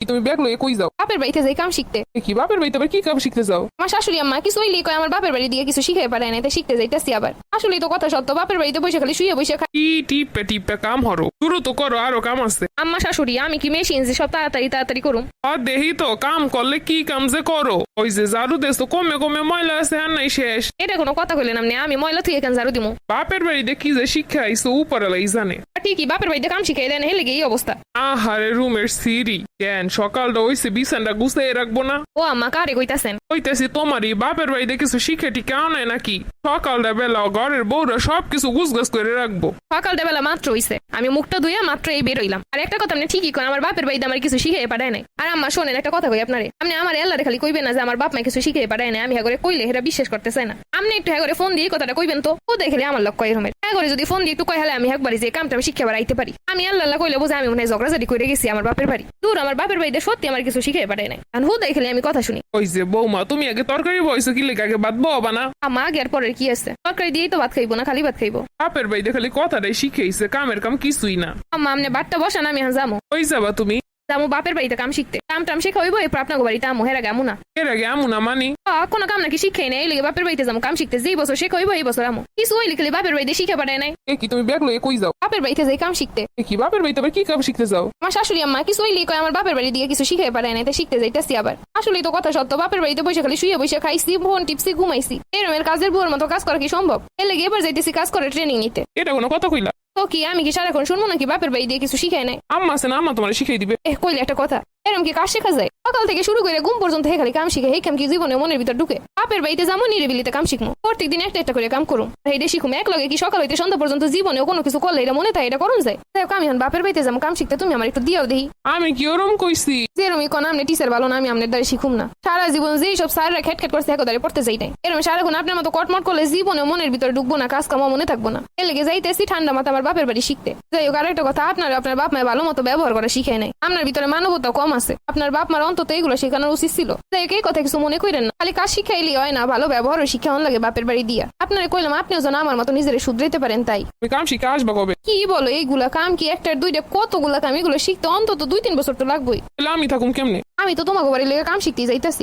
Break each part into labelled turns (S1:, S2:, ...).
S1: তুমি ব্যাগ লয়ে কই যাও?
S2: বাপের বাড়িতে যাই কাম শিখতে।
S1: কি বাপের বাড়িতে আবার কি কাম শিখতে যাও?
S2: আমার শাশুড়ি আম্মা কিছু হইলে কয় আমার বাপের বাড়ি দিয়ে কিছু শিখে পারে না, তাই শিখতে যাইতেছি আবার। আসলেই তো কথা সত্য, বাপের বাড়িতে বসে খালি শুয়ে বসে খাই।
S1: কি টিপে টিপে কাম হরো, শুরু তো করো, আরো কাম আছে।
S2: আম্মা শাশুড়ি আমি কি মেশিন যে সব তাড়াতাড়ি তাড়াতাড়ি করুম?
S1: আর দেহি তো কাম করলে কি কাম যে করো, ওই যে ঝাড়ু দেশ তো কমে কমে ময়লা আছে আর নাই শেষ।
S2: এটা কোনো কথা কইলেন আপনি? আমি ময়লা থুয়ে কেন ঝাড়ু দিমু?
S1: বাপের বাড়িতে কি যে শিক্ষা আইসো উপরালাই জানে।
S2: ঠিকই বাপের বাড়িতে কাম শিখাই দেন, হেলে গিয়ে এই অবস্থা।
S1: আহারে রুমের সিঁড়ি কেন সকালটা হইছে বিছানটা গুছিয়ে রাখবো না?
S2: ও আম্মা কারে কইতাছেন?
S1: হইতেছি তোমারই বাপের বাড়িতে কিছু শিখে টিকে আনায় নাকি? সকালটা বেলা ঘরের বউরা সবকিছু গুছগাছ করে রাখবো।
S2: সকালটা বেলা মাত্র হইছে, আমি মুখটা ধুইয়া মাত্র এই বেরোইলাম। আর একটা কথা আপনি ঠিকই কোন, আমার বাপের বাড়িতে আমার কিছু শিখে পাঠায় নাই। আর আম্মা শোনেন একটা কথা কই আপনারে, আপনি আমার এল্লারে খালি কইবেন না যে আমার বাপ মা কিছু শিখে পাঠায় নাই। আমি হ্যাঁ করে কইলে হেরা বিশ্বাস করতে চায় না। আপনি একটু হ্যাঁ করে ফোন দিয়ে কথাটা কইবেন তো, ও দেখলে আমার লক্ষ্য এরমের। হ্যাঁ করে যদি ফোন দিয়ে একটু কই হলে আমি একবারই যে কামটা আমি শিখে বাড়াইতে পারি। আমি আল্লাহ কইলে বুঝে আমি মনে হয় ঝগড়াঝাড়ি করে গেছি আমার বাপের বাড়ি। দূর, আমার বাপের বাড়িতে সত্যি আমার কিছু শিখে পাঠায় নাই। আর হু দেখলে আমি কথা শুনি।
S1: ওই যে বৌমা তুমি আগে তরকারি বইছো কি লেগে আগে ভাত ববা না?
S2: আম্মা আগে আর পরের কি আছে, তরকারি দিয়েই তো ভাত খাইবো না, খালি ভাত খাইবো।
S1: বাপের বাড়িতে খালি কথাটাই শিখেইছে, কামের কাম কিছুই না।
S2: আম্মা আপনি বাটটা বসান, আমি হ্যাঁ যাবো।
S1: ওই যাবা তুমি?
S2: যাবো বাপের বাড়িতে কাম শিখতে। কাম টাম শেখা হইবো, এরপর আপনার বাড়িতে আমো, হেরা গামু না।
S1: এর আগে আমু না মানি?
S2: কোনো কাম নাকি শিখে নেই, এই লেগে বাপের বাড়িতে যাবো কাম শিখতে। যেই বছর শেখা হইবো এই বছর আমো। কিছু হইলে খালি বাপের বাড়িতে শিখে পাঠায় নাই।
S1: এ কি তুমি ব্যাগ লয়ে কই যাও?
S2: বাপের বাড়িতে যাই কাম শিখতে।
S1: এ কি বাপের বাড়িতে আবার কি কাম শিখতে যাও?
S2: আমার শাশুড়ি আম্মা কিছু হইলে কয় আমার বাপের বাড়ি দিয়ে কিছু শিখে পাঠায় নাই, তাই শিখতে যাইতেছি আবার। আসলেই তো কথা সত্য, বাপের বাড়িতে বসে খালি শুয়ে বসে খাইছি, ফোন টিপসি, ঘুমাইছি। এরমের কাজের বুয়ার মতো কাজ করা কি সম্ভব? এর লেগে এবার যাইতেছি কাজ করে ট্রেনিং নিতে।
S1: এটা কোনো কথা কইলা?
S2: তো কি আমি কি সারাক্ষণ শুনবো নাকি বাপের বাড়ি দিয়ে কিছু শিখায় নাই?
S1: আম্মা আছে না, আম্মা তোমার শিখাই দিবে।
S2: কইলে একটা কথা, এরম কি কাজ শেখা যায়? সকাল থেকে শুরু করে ঘুম পর্যন্ত হে খালি কাম শিখে, এই কাম কি জীবনে মনের ভিতর ঢুকে? বাপের বাড়িতে যাবো নিরিবিলিতে কাম শিখবো, প্রত্যেকদিন একটা একটা করে কাম করুম, এইটা শিখুম। এক লগে কি সকাল হইতে সন্ধ্যা পর্যন্ত জীবনেও কোনো কিছু করলে এটা মনে থাকে এটা করুন যায়? তাই আমি এখন বাপের বাড়িতে যাবো কাম শিখতে, তুমি আমার একটু দিয়াও দেখি।
S1: আমি কি ওরম কইছি?
S2: যেরমি কোন আপনি টিচার ভালো না, আমি আপনার দ্বারা শিখুম না। সারা জীবন যেই সব স্যাররা খেটখেট করছে একদারে পড়তে যাই নাই। এরকম সারাক্ষণ আপনার মতো কটমট করলে জীবনে মনের ভিতরে ঢুকবো না, কাজ কামও মনে থাকবো না। এর লেগে যাইতেছি ঠান্ডা মাথা আমার বাপের বাড়ি শিখতে। যাই হোক, আরেকটা কথা, আপনার বাপ মায়ের ভালো মতো ব্যবহার করা শিখায় নাই। আপনার ভিতরে মানবতা কম আছে। আপনার বাপ মার অন্তত এগুলো শেখানোর উচিত ছিল। যাই হোক, এই কথা কিছু মনে করেন না, খালি কাজ শিখাইলেই হয় না, ভালো ব্যবহারও শিক্ষা লাগে বাপের বাড়ি দিয়া। আপনারে কইলাম আপনিও যেন আমার মতো নিজের শুধরাইতে পারেন। তাই
S1: তুমি কাম শিখে আসবা কবে?
S2: কি বলো, এইগুলা কাম কি একটার দুইটা, কতগুলা কাম, এগুলো শিখতে অন্তত 2-3 বছর তো লাগবেই।
S1: তাহলে আমি থাকুম কেমনে?
S2: আমি তো তোমাকে বাড়ির লেগে কাম শিখতে যাইতাছি।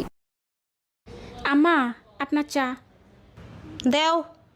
S3: আম্মা আপনার চা
S4: দেও।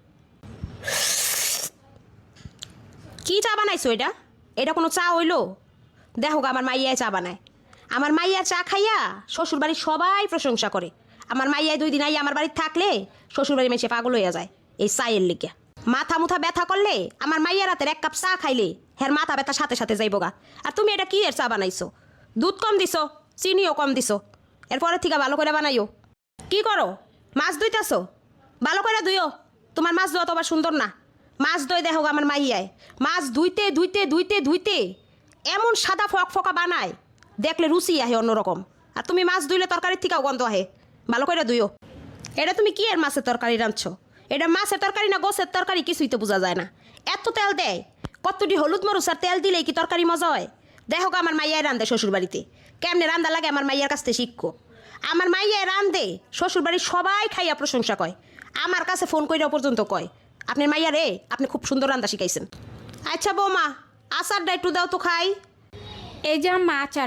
S4: কি চা বানাইছো এটা? এটা কোনো চা হইলো? দেখো গো, আমার মাইয়ায় চা বানায়। আমার মাইয়া চা খাইয়া শ্বশুর বাড়ির সবাই প্রশংসা করে। আমার মাইয়ায় 2 দিন আইয়া আমার বাড়ির থাকলে শ্বশুর বাড়ি মেশে পাগল হইয়া যায় এই চায়ের লিগে। মাথা মুথা ব্যথা করলে আমার মাইয়া রাতের 1 কাপ চা খাইলে হের মাথা ব্যথা সাথে সাথে যাইব গা। আর তুমি এটা কি এর চা বানাইছো? দুধ কম দিছো, চিনিও কম দিছো। এরপরে থেকে ভালো করে বানাইও। কি করো? মাছ ধুইতেছো? ভালো করে ধুইও। তোমার মাছ ধোয়া তো আবার সুন্দর না। মাছ ধুই দেখো আমার মাইয়ায় মাছ ধুইতে ধুইতে ধুইতে ধুইতে এমন সাদা ফক ফকা বানায়, দেখলে রুচি আহে অন্যরকম। আর তুমি মাছ ধুইলে তরকারির থেকেও গন্ধ আহে। ভালো করে ধুইও। এটা তুমি কি এর মাছের তরকারি রাঁধছো? এটা মাছের তরকারি না গোছের তরকারি কিছুই তো বোঝা যায় না। এত তেল দেয়, কতটি হলুদ মরুচ আর তেল দিলেই কি তরকারি মজা হয়? দেখো আমার মাইয়ায় রান্ধে শ্বশুর বাড়িতে, কেমনে রান্দা লাগে আমার মাইয়ার কাছ থেকে শিখো। আমার মাইয়ায় রান্ধে শ্বশুর বাড়ির সবাই খাইয়া প্রশংসা কয়। আমার কাছে ফোন কইরা পর্যন্ত কয়, আপনার মাইয়া রে আপনি খুব সুন্দর রান্না শিখাইছেন। আচ্ছা বৌমা, আচারটা একটু দাও তো খাই।
S3: এই যে আম্মা আচার।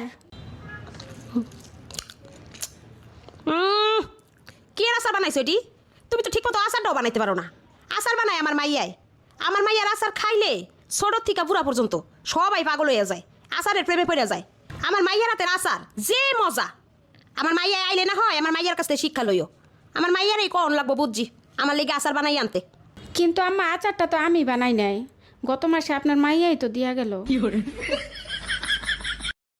S4: কি আর আচার বানাইছো এটি? তুমি তো ঠিক মতো আচারটাও বানাইতে পারো না। আচার বানায় আমার মাইয়ায়। আমার মাইয়ার আচার খাইলে ছোট থেকে বুড়া পর্যন্ত সবাই পাগল হয়ে যায়, আচারের প্রেমে পড়ে যায়। আমার মাইয়ার হাতের আচার যে মজা। আমার মাইয়া আইলে না হয় আমার মাইয়ার কাছ থেকে শিক্ষা লইও। আমার মাইয়ার এই কন লাগবো বুঝছি আমার লেগে আচার বানাই আনতে।
S3: কিন্তু আম্মা আচারটা তো আমি বানাই নাই, গত মাসে আপনার মাইয়াই তো দিয়া গেল।